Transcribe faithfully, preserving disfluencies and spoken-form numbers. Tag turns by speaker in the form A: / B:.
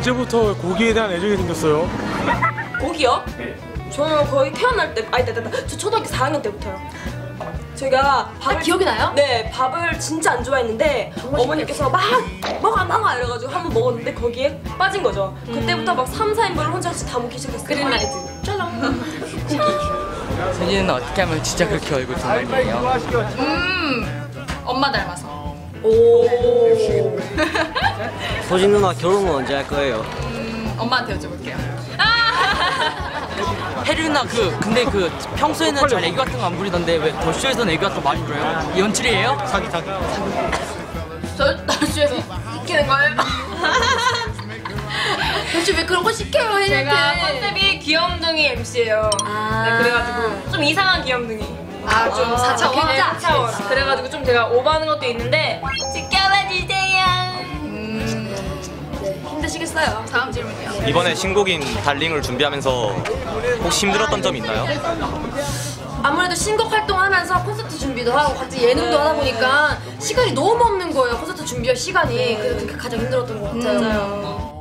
A: 언제부터 고기에 대한 애정이 생겼어요?
B: 고기요? 저는 거의 태어날 때, 아니, 나, 나, 저 초등학교 사 학년 때부터요. 제가 밥을
C: 아, 기억이 나요?
B: 네, 밥을 진짜 안 좋아했는데 어머니께서 막 먹어 먹어 이래가지고 한번 먹었는데 거기에 빠진 거죠.
C: 음.
B: 그때부터 막 삼, 사 인분을 혼자 다 먹기 시작했어요.
C: 그린라이트.
B: 쩔렁.
D: 소진이는 어떻게 하면 진짜 그렇게 얼굴 닮았네요?
C: 음, 엄마 닮아서.
B: 오.
E: 소진 누나 결혼은 언제 할 거예요?
C: 음, 엄마한테 여쭤볼게요.
D: 혜리 누나 그 근데 그 평소에는 잘 애교 같은 거 안 부리던데 왜 더쇼에서는 애교 같은 거 많이 부려요? 연출이에요?
A: 사기 사기.
C: 저 날씨에서 시키는 거예요? 도대체 왜 그런 거 시켜요, 혜리한테?
B: 제가 컨셉이 귀염둥이 엠씨예요.
C: 아.
B: 네, 그래가지고 좀 이상한 귀염둥이.
C: 아, 좀 사 차원?
B: 네, 사 차원. 그래가지고 좀 제가 오버하는 것도 있는데 지켜봐 주세요.
C: 음,
B: 힘드시겠어요?
C: 다음 질문이요.
F: 이번에 신곡인 달링을 준비하면서 혹시 힘들었던 점 있나요?
B: 아무래도 신곡 활동하면서 콘서트 준비도 하고 같이 예능도 하다 보니까 시간이 너무 없는 거예요. 콘서트 준비할 시간이. 그래서 그게 가장 힘들었던 것 같아요.
C: 맞아요.